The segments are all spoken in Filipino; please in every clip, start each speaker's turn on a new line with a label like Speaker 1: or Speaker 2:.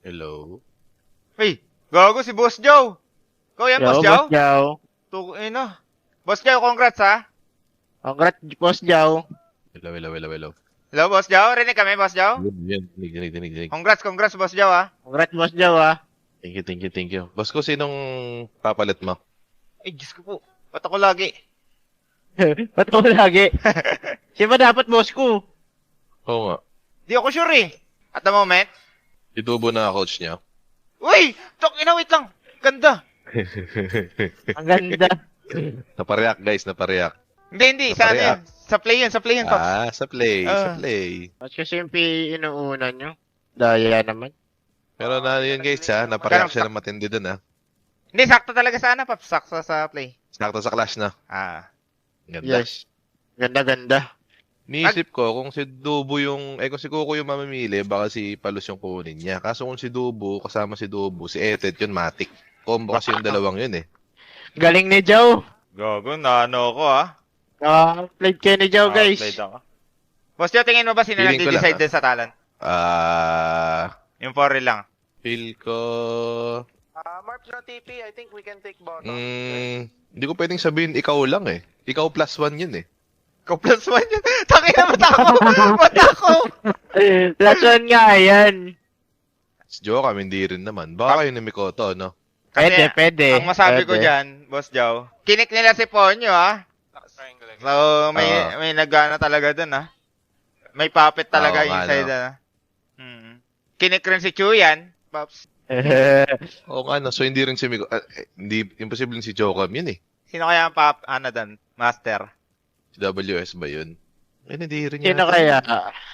Speaker 1: Hello?
Speaker 2: Hey, gago si Boss Joe. Ikaw yan, Boss Joe?
Speaker 3: Boss Jow.
Speaker 2: Ino. Boss Joe, congrats ha.
Speaker 3: Congrats, Boss Jow.
Speaker 1: Hello.
Speaker 2: Hello, Boss Joe. Rinig kami, Boss Joe.
Speaker 1: Yan. Dinig.
Speaker 2: Congrats, Boss Joe ha.
Speaker 3: Congrats, Boss Jow, ah.
Speaker 1: Thank you. Boss ko, sinong papalit mo?
Speaker 2: Ay, Diyos ko po. Ba't ako lagi?
Speaker 3: Ba't ko lagi? Siya ba dapat boss ko?
Speaker 1: Oo nga.
Speaker 2: Di ako sure eh. At the moment.
Speaker 1: Itubo na coach niya.
Speaker 2: Uy! Wait lang. Ganda.
Speaker 3: Ang ganda.
Speaker 1: Napareact guys, napareact.
Speaker 2: Hindi. Sa ano yan? Sa play yun, Pops.
Speaker 1: Sa play.
Speaker 3: Mas kasi yung inuuna nyo. Daya naman.
Speaker 1: Pero na yun guys ha, napareact siya ng matindi dun ha.
Speaker 2: Hindi, sakto talaga sa ano, Pops. Sakto sa play.
Speaker 1: Sakto sa clash na. Ganda.
Speaker 3: Yes. Ganda.
Speaker 1: Niisip ko, kung si Dubo kung si Coco yung mamimili, baka si Palos yung kunin niya. Kaso kung si Dubo, kasama si Dubo, si Etet yun, Matic. Combo kasi yung dalawang yun eh.
Speaker 3: Galing ni Jow.
Speaker 2: Gago, naano ko ha.
Speaker 3: Played kayo ni Jow, guys.
Speaker 2: Played ako. Boss Joe, tingin mo ba sino
Speaker 1: Feeling ko
Speaker 2: nag-decide
Speaker 1: lang,
Speaker 2: din sa talent? Yung 4 lang.
Speaker 1: Feel ko...
Speaker 4: Marp no TP, I think we can take bottom.
Speaker 1: Hindi ko pwedeng sabihin ikaw lang eh. Ikaw +1 yun eh.
Speaker 2: Ikaw +1 yun. Tangin na mata ko.
Speaker 3: Last one nga, yan.
Speaker 1: Si Joe kami hindi rin naman. Baka kayo ni Mikoto, no?
Speaker 2: Kasi,
Speaker 3: Pwede.
Speaker 2: ang masabi ko dyan, Boss Joe, kinik nila si Ponyo ha. So, may nagana talaga dun ha. May puppet talaga inside ha. Kinik rin si Chuyan, Pops.
Speaker 1: Oo nga, no? So hindi rin si Mikoto. Hindi, imposible si Joe Cam yun eh.
Speaker 2: Sino kaya ang dun? Master.
Speaker 1: Si WS ba yun? Hindi rin
Speaker 3: Sino
Speaker 1: yata.
Speaker 3: kaya?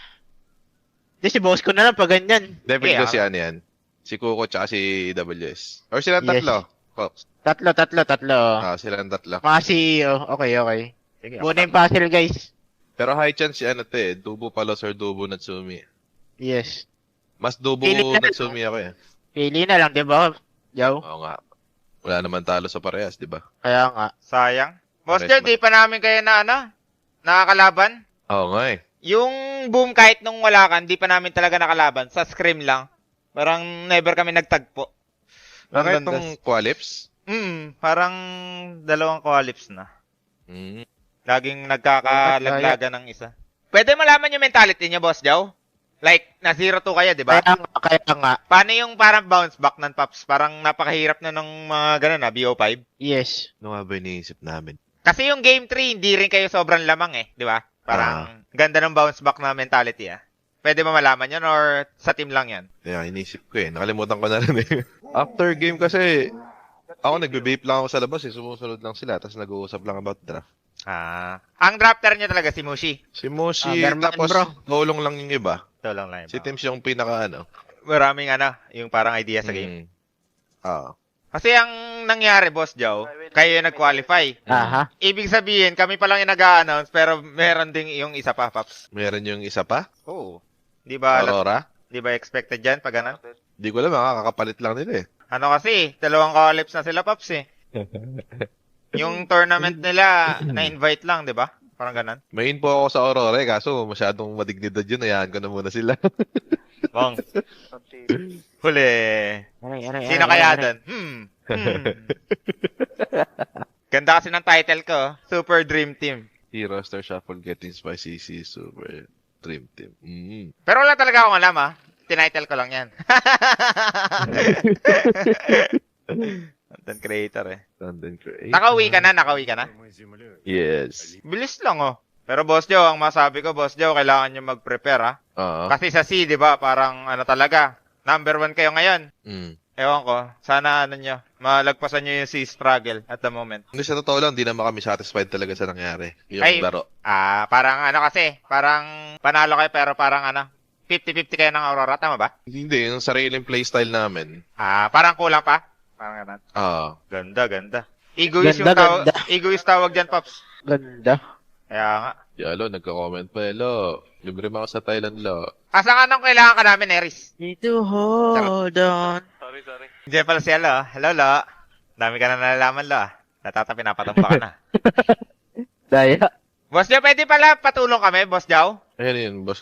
Speaker 3: Di si boss ko na lang pag ganyan.
Speaker 1: Definitely
Speaker 2: Kaya,
Speaker 1: ko si ano yan. Si Coco tsaka si WS. Or silang tatlo. Fox.
Speaker 3: Tatlo.
Speaker 1: Silang tatlo.
Speaker 3: Mga CEO. Okay.
Speaker 2: Sige,
Speaker 3: Muna yung puzzle, guys.
Speaker 1: Pero high chance si ano to eh. Dubo Palos or Dubo Natsumi.
Speaker 3: Yes.
Speaker 1: Mas Dubo
Speaker 3: Pili ka na.
Speaker 1: Natsumi ako eh.
Speaker 3: Pili na lang, di ba, Jow?
Speaker 1: Oo nga. Wala naman talo sa parehas, di ba?
Speaker 3: Kaya nga.
Speaker 2: Sayang. Boss
Speaker 1: Pares
Speaker 2: Joe, di pa namin kayo nakakalaban.
Speaker 1: Oo nga eh.
Speaker 2: Yung boom kahit nung wala ka, di pa namin talaga nakalaban. Sa scrim lang. Parang never kami nagtagpo.
Speaker 1: Bakit
Speaker 2: Ang
Speaker 1: itong Qualips?
Speaker 2: Parang 2 qualips na. Laging nagkakalaglagan ng isa. Pwede malaman yung mentality niya, Boss Joe? Like, na 0-2 kayo, di ba?
Speaker 3: Kaya nga.
Speaker 2: Paano yung parang bounce back ng Pops? Parang napakahirap na ng mga ganun BO5.
Speaker 3: Yes.
Speaker 1: Ano nga ba iniisip namin?
Speaker 2: Kasi yung game 3, hindi rin kayo sobrang lamang di ba? Parang ganda ng bounce back na mentality Pwede ba malaman yun or sa team lang yan?
Speaker 1: Kaya inisip ko eh. Nakalimutan ko na rin eh. After game kasi, ako nagbe-vape lang ako sa labas eh. Sumusunod lang sila. Tapos nag-uusap lang about draft.
Speaker 2: Ang drafter niya talaga si Mushi.
Speaker 1: Si Moshi,
Speaker 3: Berman,
Speaker 1: tapos
Speaker 3: bro.
Speaker 1: tulong lang yung iba.
Speaker 2: Ito lang lang.
Speaker 1: Si Tims yung pinaka
Speaker 2: Maraming yung parang idea sa game. Kasi ang nangyari, Boss Joe, kayo yung nag-qualify.
Speaker 3: Aha.
Speaker 2: Ibig sabihin, kami pa lang yung nag-a-announce, pero meron ding yung isa pa, Pops.
Speaker 1: Meron yung isa pa?
Speaker 2: Oo. Di ba,
Speaker 1: Aurora?
Speaker 2: di ba expected dyan pag ganun?
Speaker 1: Di ko alam, makakapalit lang nila eh.
Speaker 2: Ano kasi, 2 qualips na sila, Pops Yung tournament nila, na-invite lang, di ba? Parang ganun.
Speaker 1: May info ako sa Aurora eh, kaso masyadong madignidad yun. Hayaan ko na muna sila.
Speaker 2: Bong. Huli. Sino kaya doon? Ganda kasi ng title ko, Super Dream Team.
Speaker 1: Hero Star Shuffle Getting Spicy CC Super Dream Team.
Speaker 2: Pero wala talaga akong alam Tinitle ko lang yan. Content creator
Speaker 1: Content creator.
Speaker 2: Nakauwi ka na?
Speaker 1: Yes.
Speaker 2: Bilis lang Pero Boss Joe, ang masabi ko, Boss Joe, kailangan nyo mag-prepare Kasi sa C, di ba, parang talaga, number 1 kayo ngayon. Ewan ko, sana nyo, malagpasan nyo yung C struggle at the moment.
Speaker 1: Hindi sa totoo lang, di naman kami satisfied talaga sa nangyari. Yung laro.
Speaker 2: Parang kasi, parang panalo kayo pero parang 50-50 kayo ng Aurora, tama ba?
Speaker 1: Hindi, yung sariling playstyle namin.
Speaker 2: Parang kulang pa? Parang ganun. Ganda. Egoist egoist tawag dyan, Pops.
Speaker 3: Ganda.
Speaker 2: Kaya nga.
Speaker 1: Yalo, nagka-comment pa, lo. Libre mo ako sa Thailand, lo.
Speaker 2: Asa nung kailangan ka namin, Eris?
Speaker 3: Need to hold on.
Speaker 4: Sorry.
Speaker 2: Diyan pala siya, lo. Hello, lo. Dami ka na nalalaman, lo. Natatapi, napatumba ka na.
Speaker 3: Daya.
Speaker 2: Boss Jow, pwede pala patulong kami, Boss Jow?
Speaker 1: Ayan yun, boss ko.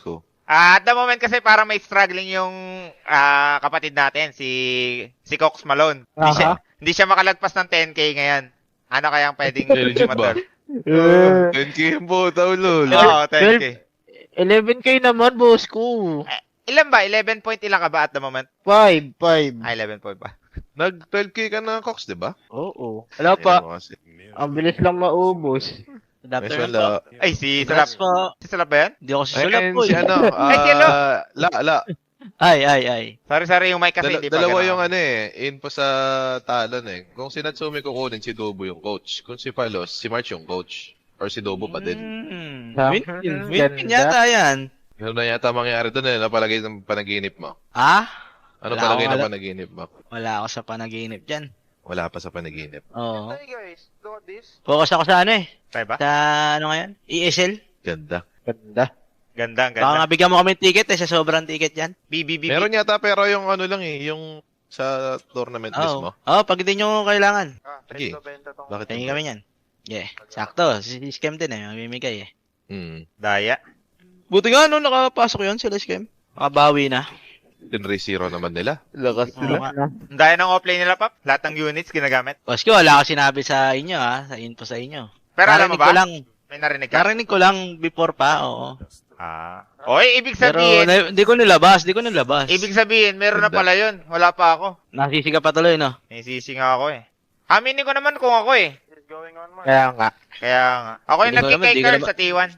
Speaker 2: At the moment kasi parang may struggling yung kapatid natin, si Cox Malone. Hindi siya makalagpas ng 10K ngayon. Ano kayang pwedeng
Speaker 1: legit ba? 10K po, lol.
Speaker 2: Oo, 10K.
Speaker 3: 11K naman, boss ko.
Speaker 2: Ilan ba? 11 point ilang ka ba at the moment?
Speaker 3: 5.
Speaker 2: 11 point ba?
Speaker 1: Nag-12K ka na, Cox, di ba?
Speaker 3: Oo. Wala pa. Ang bilis lang maubos.
Speaker 1: May wala.
Speaker 2: Ay, si Salap. Si Salap ba yan?
Speaker 3: Hindi ako si Sulap po.
Speaker 1: Si ano?
Speaker 2: Ay, si ano?
Speaker 1: La.
Speaker 3: Ay.
Speaker 2: Sorry, yung mic kasi hindi pa
Speaker 1: Dalawa
Speaker 2: ganun.
Speaker 1: yung info sa talon Kung si Natsumi kukunin, si Dobo yung coach. Kung si Palos, si March yung coach. Or si Dobo pa din.
Speaker 3: Win
Speaker 5: yata yan.
Speaker 1: Ano na yata mangyari doon napalagay ng panaginip mo? Ano
Speaker 5: Wala
Speaker 1: palagay
Speaker 5: akong
Speaker 1: ng panaginip mo?
Speaker 5: Wala ako sa panaginip dyan.
Speaker 1: Wala pa sa panaginip.
Speaker 5: Oo.
Speaker 4: Hey guys, look at this.
Speaker 3: Focus ako sa
Speaker 2: Tayo ba?
Speaker 5: Sa ano ngayon? ESL?
Speaker 1: Ganda.
Speaker 2: Ganda.
Speaker 5: Baka nga bigyan mo kami ticket sa sobrang ticket yan.
Speaker 2: BBB.
Speaker 1: Meron yata pero yung yung sa tournament mismo.
Speaker 5: Pag hindi nyo kailangan.
Speaker 1: Sige.
Speaker 4: Benta tong.
Speaker 1: Bakit
Speaker 5: Tingin
Speaker 1: hindi?
Speaker 5: kami yan. Yeah. Sakto. Si Scam din mamimigay
Speaker 2: Daya.
Speaker 5: Buti nga nakapasok yun sila Scam. Makabawi na.
Speaker 1: 10-0 naman nila.
Speaker 3: Lakas
Speaker 5: Oo nga.
Speaker 2: Daya ng offlane nila, Pap. Lahat ng units ginagamit.
Speaker 5: Boss ko, wala ako sinabi sa inyo sa info sa inyo.
Speaker 2: Pero alam mo
Speaker 5: Narinig ko
Speaker 2: ba?
Speaker 5: lang,
Speaker 2: May narinig ka?
Speaker 5: narinig ko lang before pa, oo.
Speaker 2: Oy, ibig
Speaker 5: Pero
Speaker 2: sabihin,
Speaker 5: hindi ko nilabas.
Speaker 2: ibig sabihin, meron na pala yun. Wala pa ako.
Speaker 5: Nasisiga pa tuloy, no?
Speaker 2: May sisi nga ako Aminin ko naman kung ako
Speaker 4: Is going on, Mark.
Speaker 3: Kaya nga.
Speaker 2: Kaya nga. Ako yung
Speaker 5: Di ko naman, di ko
Speaker 2: nagkikay
Speaker 5: naman.
Speaker 2: sa T1.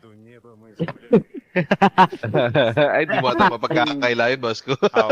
Speaker 1: Ay, di mo ata mapagkakailayan, boss ko.
Speaker 2: Oo.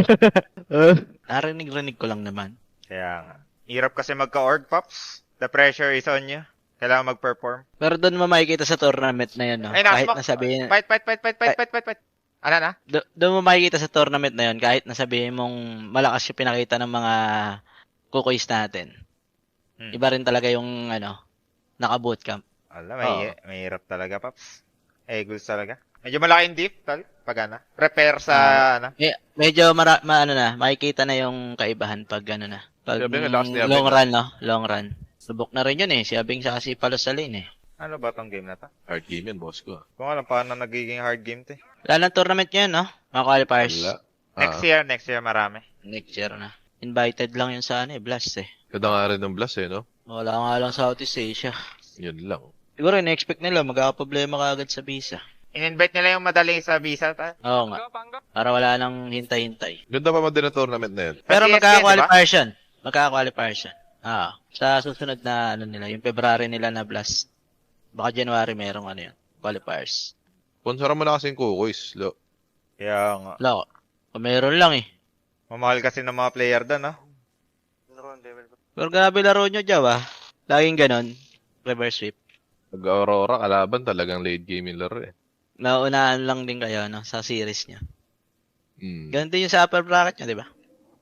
Speaker 5: Narinig ko lang naman.
Speaker 2: Kaya nga. Hirap kasi magka-org, Pops. The pressure is on you. Kailangan mag-perform.
Speaker 5: Pero doon mo makikita sa tournament na yun, no?
Speaker 2: Ay,
Speaker 5: Kahit
Speaker 2: nakasmak.
Speaker 5: nasabihin,
Speaker 2: Fight. Ano na?
Speaker 5: doon mo makikita sa tournament na yun, kahit nasabihin mong malakas yung pinakita ng mga kukuis natin. Iba rin talaga yung, naka-bootcamp.
Speaker 2: Alam, may hirap talaga, Pops. Eagles talaga. Medyo malaki yung dip, pag prepare sa,
Speaker 5: Medyo makikita na yung kaibahan pag na. Pag
Speaker 1: Sabi nga, lakas ni Abing,
Speaker 5: long run, no? Long run. Subok na rin yun si Abing sa si Palos sa lane
Speaker 2: Ano ba tong game na to?
Speaker 1: Hard game yan, boss ko.
Speaker 2: Kung alam paano nagiging hard game to
Speaker 5: Wala ng tournament ngayon, no? Mga qualifiers.
Speaker 1: Wala.
Speaker 2: Next year marami.
Speaker 5: Next year na. Invited lang yun sa Blast
Speaker 1: Ganda nga rin ng blast no?
Speaker 5: Wala nga lang Southeast Asia.
Speaker 1: Yun lang.
Speaker 5: Siguro, in-expect nila, magkakaproblema kaagad sa visa.
Speaker 2: In-invite nila yung madaling sa visa.
Speaker 5: Oo nga. Para wala nang hintay-hintay.
Speaker 1: Ganda pa man din ang tournament na yun.
Speaker 5: Pero
Speaker 2: Sa CSN,
Speaker 5: magkaka-qualifiers yan. Magkaka-qualifiers yan. Sa susunod na, nila, yung February nila na Blast. Baka January merong qualifiers.
Speaker 1: Sponsoran mo na kasing kukuis.
Speaker 2: Kaya nga.
Speaker 5: Wala ko. Meron lang
Speaker 2: Mamahal kasi ng mga player doon, no?
Speaker 5: Pero grabe laro nyo, Jaw, Laging ganon. Reverse sweep.
Speaker 1: Pag-Aurora, kalaban talagang late game yung laro
Speaker 5: Naunahan lang din kayo, sa series nyo. Ganon din yung sa upper bracket nyo, di ba?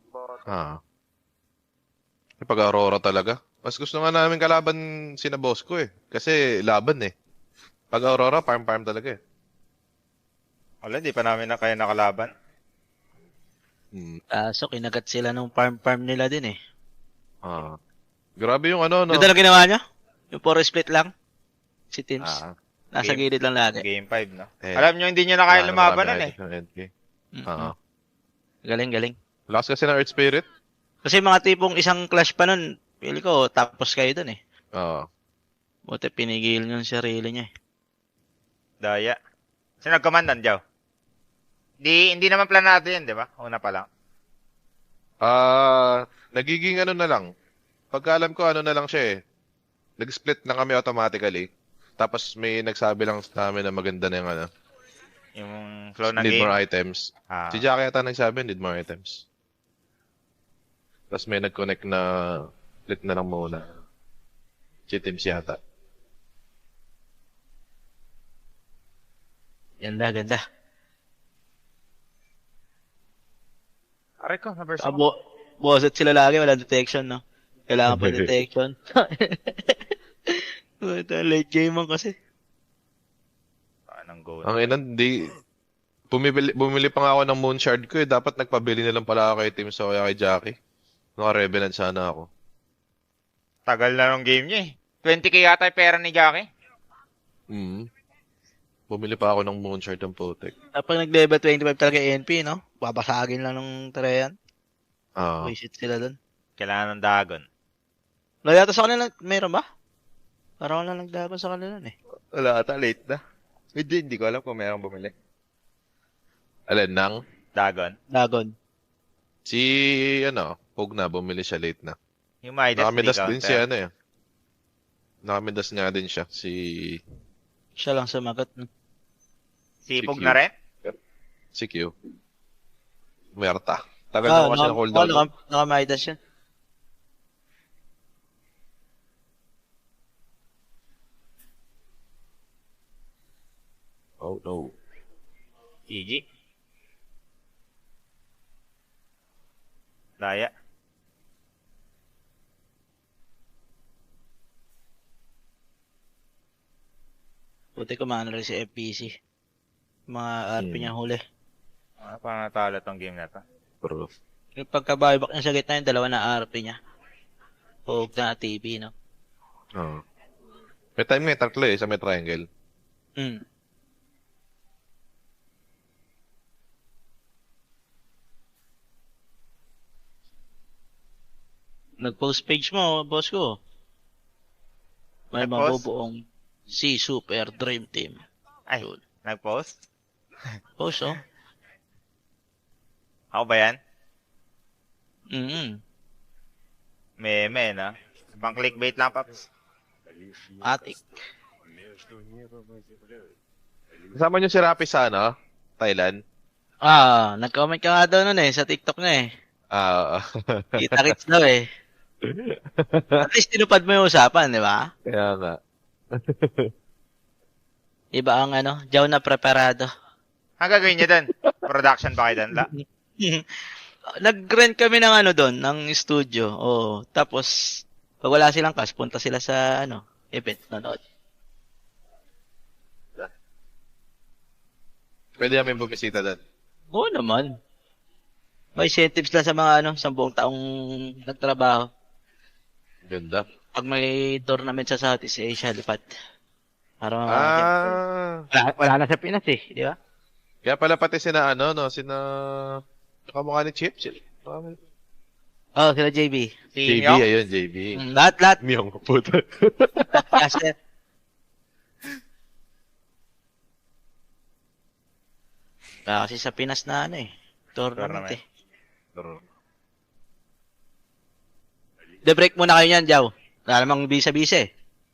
Speaker 1: Pag-Aurora talaga. Mas gusto nga namin kalaban sina boss ko Kasi laban Pag-Aurora, farm talaga
Speaker 2: Wala, di pa namin na kayo nakalaban.
Speaker 5: Kaso, kinagat sila nung farm nila din
Speaker 1: Grabe yung no?
Speaker 5: Ganda lang ginawa nyo? Yung 4 split lang? Si teams. Nasa
Speaker 2: Game-
Speaker 5: gilid lang lagi.
Speaker 2: Game 5, no? Alam nyo, hindi nyo na kaya lumaban nun
Speaker 5: Galing.
Speaker 1: Lakas kasi ng Earth Spirit.
Speaker 5: Kasi mga tipong isang clash pa nun, pili ko, tapos kayo dun Buti pinigil nyo yung sarili nyo
Speaker 2: Daya. Sino nagkamandan, Jow? Hindi naman planado yun, di ba? Una pa lang.
Speaker 1: Nagiging na lang. Pagka alam ko na lang siya Nag-split na kami automatically. Tapos may nagsabi lang sa amin na maganda na yung
Speaker 2: Yung flow ng
Speaker 1: need
Speaker 2: game.
Speaker 1: more items. Si Jackie yata nagsabi, need more items. Tapos may nag-connect na split na lang muna. Si Teams yata.
Speaker 5: Ganda.
Speaker 2: Aray ko, na-verse
Speaker 5: Boset sila lagi, wala detection, no? Kailangan pa detection. Ito, late game man kasi.
Speaker 2: Anong goal?
Speaker 1: Ang inan, bumili pa nga ako ng Moon Shard ko Dapat nagpabili na lang pala ako kay Teams o kaya kay Jackie. Naka-Revenant sana ako.
Speaker 2: Tagal na nung game niya 20k yata yung pera ni Jackie.
Speaker 1: Bumili pa ako ng Moonshard ng Potek.
Speaker 5: Kapag nag-level 25 talaga NP, no? Babasagin lang ng Treyan. Visit sila dun.
Speaker 2: Kailangan ng Dagon.
Speaker 5: Wala yata sa kanila, meron ba? Parang wala nagdaban sa kanila eh.
Speaker 2: Wala ata, late na. Hindi ko alam kung meron bumili.
Speaker 1: Alin nang?
Speaker 2: Dagon.
Speaker 1: Si, Pog na, bumili siya late na.
Speaker 2: Yung Midas
Speaker 1: Nakamidas din
Speaker 2: counter.
Speaker 1: siya, Nakamidas nga din siya,
Speaker 5: Siya lang sumagot. No?
Speaker 2: Sipog
Speaker 1: Si Q.
Speaker 2: na rin?
Speaker 1: si Q. Merta. Tagal na kasi na cooldown.
Speaker 5: Nakamaidas yan.
Speaker 1: Oh no.
Speaker 2: GG. Daya.
Speaker 5: Buti kumano rin si FPC. Mga RP niya huli.
Speaker 2: Parang natalo tong game na to.
Speaker 1: Bro.
Speaker 5: Yung pagka-buyback niya sa gitna yung dalawa na RP niya. Huwag na TV, no?
Speaker 1: May time nga, tatlo sa may triangle.
Speaker 5: Nag-post page mo, boss ko. May
Speaker 2: Nag-post?
Speaker 5: mabubuong si Super Dream Team.
Speaker 2: Ay,
Speaker 5: Yun.
Speaker 2: nag-post?
Speaker 5: Post, oh.
Speaker 2: Ako ba yan?
Speaker 5: Meme,
Speaker 2: na. Pang clickbait lang, Paps.
Speaker 5: Atik.
Speaker 1: Kasama niyo si Rapi sa, Thailand?
Speaker 5: Nag-comment ka nga daw nun sa TikTok na eh. Kita-kits daw eh. At least tinupad mo yung usapan, di ba?
Speaker 1: Kaya nga.
Speaker 5: Iba ang Jaw na preparado.
Speaker 2: Ang gagawin niya doon? Production ba kayo doon?
Speaker 5: Nag-rent kami ng doon, ng studio. Tapos, pag wala silang cash, punta sila sa event nanood.
Speaker 1: Pwede namin bumisita doon.
Speaker 5: Oo naman. May incentives lang sa mga sa buong taong nagtrabaho.
Speaker 1: Ganda.
Speaker 5: Pag may tournament sa Southeast Asia, lipat. Para wala na sa Pinas eh, di ba?
Speaker 1: Kaya pala pati sina kamukha ni Chip.
Speaker 5: Sila JB.
Speaker 1: JB,
Speaker 2: Myung?
Speaker 1: ayun, JB.
Speaker 5: Lahat.
Speaker 1: Myung, puta.
Speaker 5: Kasi, kasi sa Pinas na tournament eh. De-break muna kayo niyan, Jaw. Wala namang bisa-bisa eh.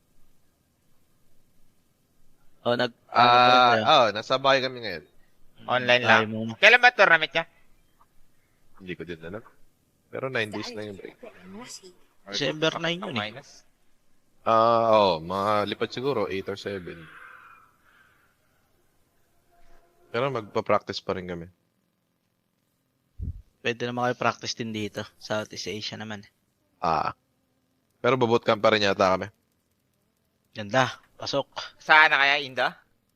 Speaker 1: Nasa bahay kami ngayon.
Speaker 2: Online lang. Kailan ba tournament niya?
Speaker 1: Hindi ko din alam. Pero 9 days na yung break.
Speaker 5: December 9 yun eh.
Speaker 2: Minus.
Speaker 1: Mga lipat siguro, 8 or 7. Pero magpa-practice pa rin kami.
Speaker 5: Pwede naman kayo practice din dito. Southeast Asia naman.
Speaker 1: Pero bootcamp pa rin yata kami.
Speaker 5: Ganda. Pasok.
Speaker 2: Saan na kaya, Inda?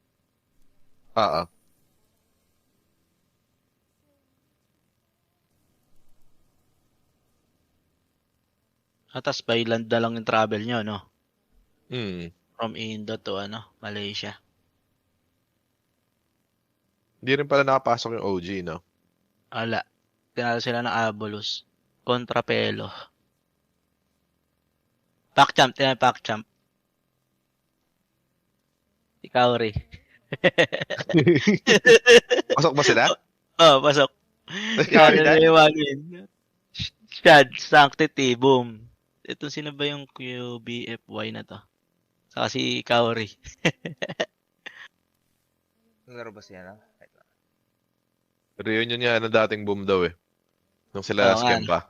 Speaker 5: Tapos by land na lang yung travel nyo, no? From Indo to Malaysia.
Speaker 1: Hindi rin pala nakapasok yung OG, no?
Speaker 5: Wala. Tinalo sila ng Abolus. Kontra Pelo. PacChamp. PacChamp. Ikaw rin.
Speaker 1: Pasok ba sila?
Speaker 5: Pasok.
Speaker 1: Ikaw
Speaker 5: rin. Shad, Sanctity, boom. Ito sino ba yung QBFY na to? Saka si Kaori.
Speaker 2: Naglaro ba siya na?
Speaker 1: Reunion niya na dating boom daw eh. Nung sila scam pa.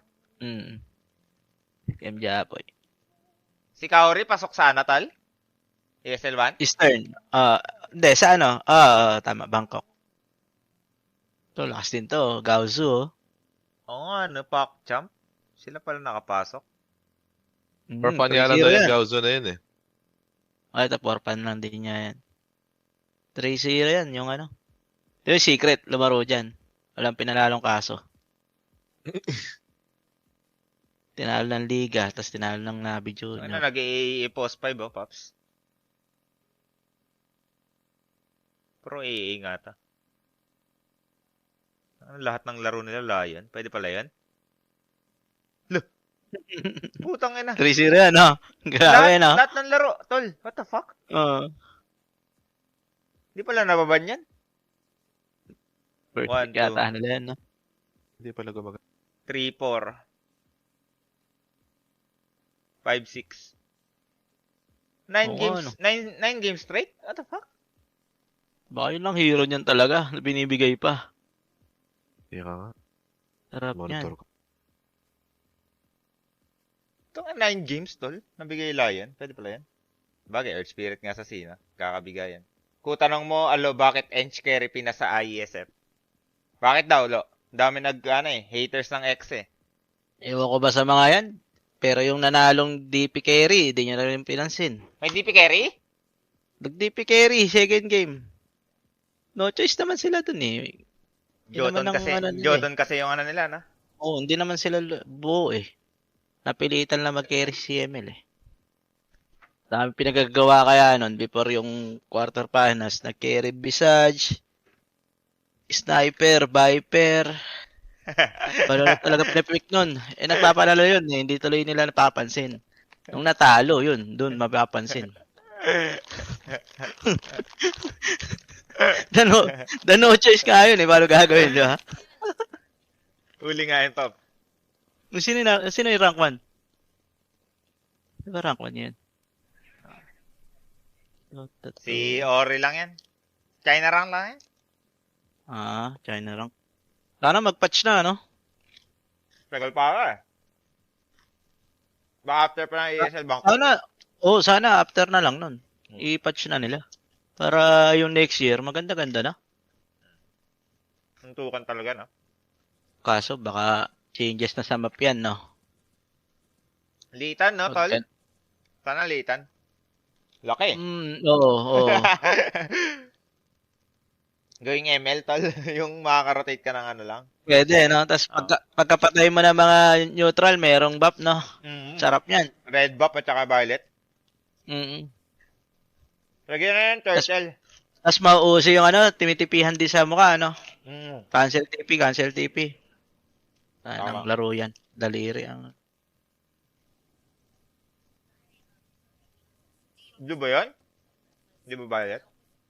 Speaker 5: Scam Japoy.
Speaker 2: Si Kaori pasok sa Natal? ESL 1?
Speaker 5: Eastern. Hindi, sa tama, Bangkok. To, lakas din to. Gaozu,
Speaker 2: Oo nga, PacChamp. Sila pala nakapasok.
Speaker 1: For fun yan lang yung Gaozo na yun eh.
Speaker 5: Ito, for fun lang din niya yan. 3-0 yan, yung Yung secret, lumaro dyan. Walang pinalalong kaso. Tinalo ng Liga, tapos tinalo ng Navi Junior.
Speaker 2: Nag-i-post 5, Pops? Pro AA nga ta. Lahat ng laro nila Lion. Pwede pala yan? Look. Putang ina.
Speaker 5: 3-0 yan, no? Grabe, no?
Speaker 2: Lahat ng laro. Tol, what the fuck?
Speaker 5: Oo.
Speaker 2: Hindi pala nababan yan?
Speaker 5: First
Speaker 2: 1,
Speaker 5: pick yata nila yan, no?
Speaker 1: Hindi pala gumagamit.
Speaker 2: 3, 4. 5, 6. 9
Speaker 5: Oo,
Speaker 2: games.
Speaker 5: ano?
Speaker 2: 9 games straight? What the fuck?
Speaker 5: Baka yun lang hero niyan talaga. Na binibigay pa.
Speaker 1: Hindi ka nga.
Speaker 5: Sarap yan.
Speaker 1: Monitor ko.
Speaker 2: Ito nga 9 games, tol. Nabigay Lion. Pwede pala yan. Bagay, Earth Spirit nga sa Sina. Kakabigayan. Kung tanong mo, alo, bakit Ench carry pinasa IESF? Bakit daw, lo? Dami haters ng X eh.
Speaker 5: Ewan ko ba sa mga yan? Pero yung nanalong DP carry, hindi nyo na rin pinansin.
Speaker 2: May DP carry?
Speaker 5: Nag-DP carry, second game. No choice naman sila dun eh.
Speaker 2: Jotun kasi yung ano nila, na?
Speaker 5: Oo, hindi naman sila buo eh. Napilitan lang mag-carry si ML eh. Dami pinagagawa kaya nun before yung quarter finals. Nag-carry Visage, Sniper, Viper. Wala talaga pinapick nun. Eh nagpapalala yun eh. Hindi tuloy nila napapansin. Nung natalo yun, dun mapapansin. The no choice ka yun eh. Paano gagawin, di ba?
Speaker 2: Uli nga yun, Top.
Speaker 5: Sino yung rank 1? Di ba rank 1 yan?
Speaker 2: Si Ori lang yan. China rank lang yan.
Speaker 5: China rank. Sana mag-patch na, no?
Speaker 2: Tagal pa ka eh. Baka after pa ng ESL Bank.
Speaker 5: Sana after na lang nun. I-patch na nila. Para yung next year, maganda-ganda na.
Speaker 2: Suntukan talaga, no?
Speaker 5: Kaso, baka changes na sa map yan, no?
Speaker 2: Litan, no, tol? Sana litan. Laki.
Speaker 5: Oo.
Speaker 2: Going ML, tol. Yung makaka-rotate ka ng ano lang.
Speaker 5: Pwede, no? Tapos pagkapatay mo ng mga neutral, merong buff, no?
Speaker 2: Mm-hmm.
Speaker 5: Sarap yan.
Speaker 2: Red buff at saka violet. Lagyan na yan, turtle.
Speaker 5: Tapos mauuso yung timitipihan din sa mukha, no?
Speaker 2: Mm.
Speaker 5: Cancel TP.
Speaker 2: Tama.
Speaker 5: Ang laro yan. Daliri ang...
Speaker 2: Blue ba yun? Di ba violet?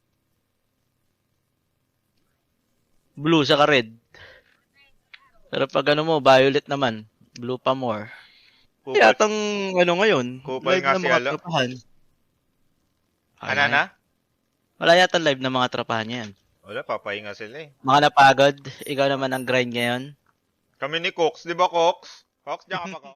Speaker 5: Blue saka red. Pero pag violet naman. Blue pa more. Kaya atang ngayon.
Speaker 2: Kupal
Speaker 5: live
Speaker 2: nga
Speaker 5: ng
Speaker 2: si
Speaker 5: mga
Speaker 2: Alo.
Speaker 5: trapahan.
Speaker 2: Ano na?
Speaker 5: Wala yata live ng mga trapahan niya yan.
Speaker 2: Wala, papahinga sila eh.
Speaker 5: Mga napagod. Ikaw naman ang grind ngayon.
Speaker 2: Kami ni Cox, di ba Cox? Cox, diyan ka pa, Cox.